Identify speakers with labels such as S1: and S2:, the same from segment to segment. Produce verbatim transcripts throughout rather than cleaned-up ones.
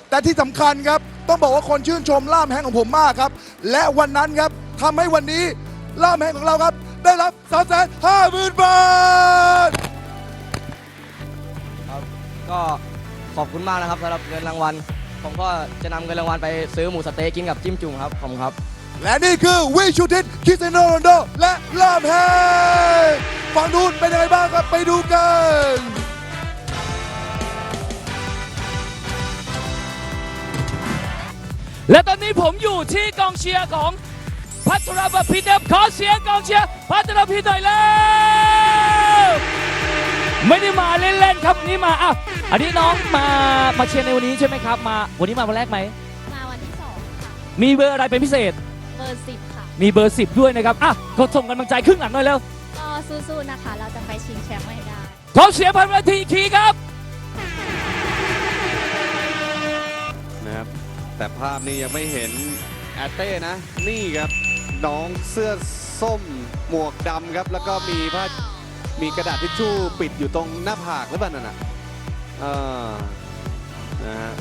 S1: แต่ที่สำคัญครับต้องบอกว่าคนชื่นชมล่ามแฮงของผมมากครับและวันนั้นครับทำให้วันนี้ล่ามแฮงของเราครับได้รับ สามแสนห้าหมื่น บาท
S2: ครับก็ขอบคุณมากนะครับสำหรับเงินรางวัลผมก็จะนำเงินรางวัลไปซื้อหมูสะเต๊กกินกับจิ้มจุ่มครับผมครับ
S1: และนี่คือวิชูทิศคริสเตียโนโรนัลโดและล่ามแฮงฝั่งนู้นเป็นยังไงบ้างครับไปดูกัน
S3: และตอนนี้ผมอยู่ที่กองเชียร์ของพัทรบพิตรขอเสียงกองเชียร์พัทรพิตรหน่อยแล้วไม่ได้มาเล่นๆครับนี่มาอ่ะอันนี้น้องมามาเชียร์ในวันนี้ใช่ไหมครับมาวันนี้มาวันแรกไหม
S4: มาวันที่สองค่ะ
S3: มีเบอร์อะไรเป็นพิเศษ
S4: เบอร์สิบค่ะ
S3: มีเบอร์สิบด้วยนะครับอ่ะก็ส่งกำลังใจครึ่งหลังหน่อยแล้ว
S4: ก็สู้ๆนะคะเราจะไปชิงแชมป์ให้ได้
S3: ขอเสียงพันนาทีอีกทีครับ
S5: นะครับแต่ภาพนี้ยังไม่เห็นแอตเต้นะนี่ครับน้องเสื้อส้มหมวกดำครับแล้วก็มีผ้ามีกระดาษทิชชู่ปิดอยู่ตรงหน้าผากหรือเปล่านั่นน่ะเออนะฮะ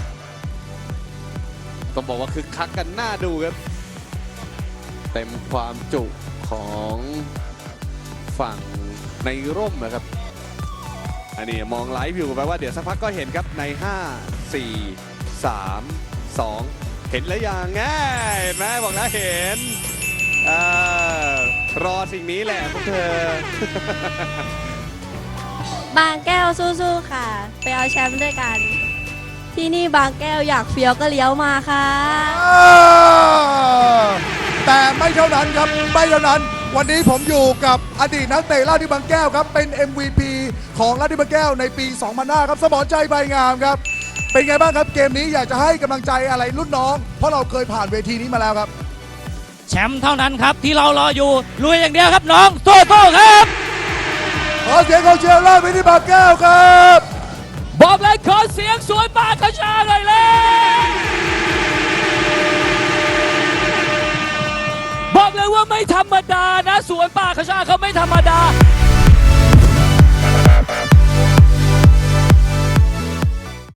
S5: ต้องบอกว่าคึกคักกันหน้าดูครับเต็มความจุของฝั่งในร่มนะครับอันนี้มองไลฟ์อยู่แปลว่าเดี๋ยวสักพักก็เห็นครับในห้า สี่ สาม สองเห็นแล้วยังไงเห็นไหมบอกแล้วเห็นเออรอสิ่งนี้แหละพวกเธอ
S4: บางแก้วสู้ๆค่ะไปเอาแชมป์ด้วยกันที่นี่บางแก้วอยากเฟี้ยวก็เลี้ยวมาค่ะ
S1: แต่ไม่เท่านั้นครับไม่เท่านั้นวันนี้ผมอยู่กับอดีตนักเตะลาดที่บางแก้วครับเป็น เอ็ม วี พี ของลาดที่บางแก้วในปี สองพันห้า ครับสมรใจใบงามครับเป็นไงบ้างครับเกมนี้อยากจะให้กำลังใจอะไรรุ่นน้องเพราะเราเคยผ่านเวทีนี้มาแล้วครับ
S3: แชมป์เท่านั้นครับที่เรารออยู่ลุยอย่างเดียวครับน้องโต้ๆครับ
S1: ขอเสียงของเชียร์ลาดไปที่บางแก้วครับ
S3: บอกเลยขอเสียงสวยปากกระชาหน่อยเลยบอกเลยว่าไม่ธรรมดานะสวนป่าขชาเขาไม่ธรรมดา